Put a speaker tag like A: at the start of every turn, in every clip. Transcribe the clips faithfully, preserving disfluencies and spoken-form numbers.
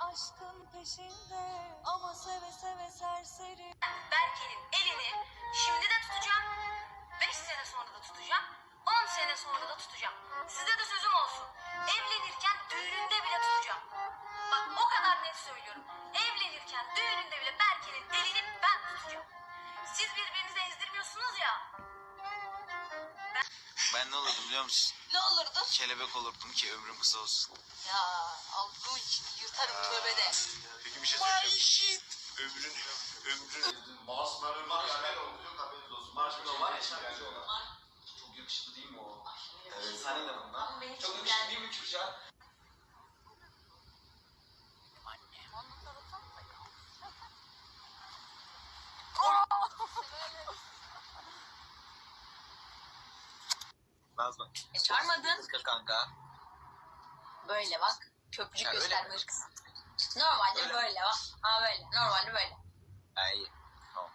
A: aşkın peşinde ama seve seve serseri.
B: Berke'nin elini şimdi de tutacağım. Beş sene sonra da tutacağım. On sene sonra da tutacağım. Size de sözüm olsun. Evlenirken düğününde bile tutacağım. Bak o kadar net söylüyorum. Evlenirken düğününde bile Berke'nin elini ben tutacağım. Siz birbirinizi ezdirmiyorsunuz ya.
C: Ben ne olurdum biliyor musun?
B: Ne olurdu?
C: Kelebek olurdum ki ömrüm kısa olsun.
B: Ya algı yırtarım tövbede.
C: Peki bir şey söyleyeceğim. Ömrün, ömrün.
D: Marshmallow marshmallow yok haberiniz olsun. Marshmallow var ya şarkıcı olan. Çok yakışıklı değil mi o? Evet, sen de bundan. Çok yakışıklı değil mi Kürşat?
C: Nazlı.
B: E çağırmadın.
C: Kız kanka.
B: Böyle bak. Köprücük
C: Ya öyle
B: gösterme
C: mi?
B: hırkız. Normalde
C: Öyle
B: böyle bak. Ha böyle. Normalde böyle.
C: Ha iyi. Tamam.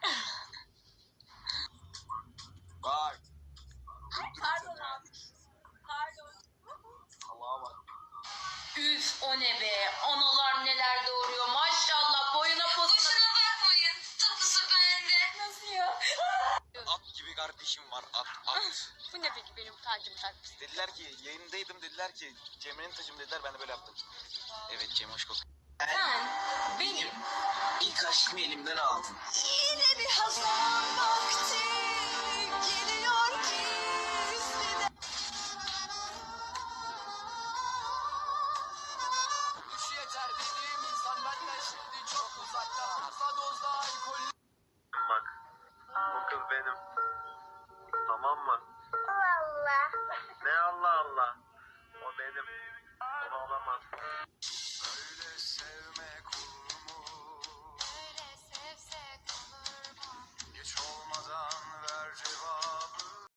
C: Bak.
B: Pardon abi. Pardon.
C: Allah'a bak.
B: Üf o ne be. Analar neler doğuruyor. Maşallah boyuna posuna. Boşuna bakmayın. Tapusu bende. Nasıl ya?
C: At gibi kardeşim var. At at.
B: Bu ne peki benim tacım takmış?
C: Dediler ki yayındaydım, dediler ki Cemre'nin tacım dediler, ben de böyle yaptım. Evet Cem, hoş geldin.
B: Sen benim
C: İlk aşkımı elimden aldın.
A: Yine bir hazan vakti geliyor ki üstüne.
E: Üç yeter dediğim insan benden şimdi çok uzakta. Fazla dozda alkol.
F: Bak, bu kız benim. Tamam mı?
G: Allah.
F: Ne Allah Allah? O benim.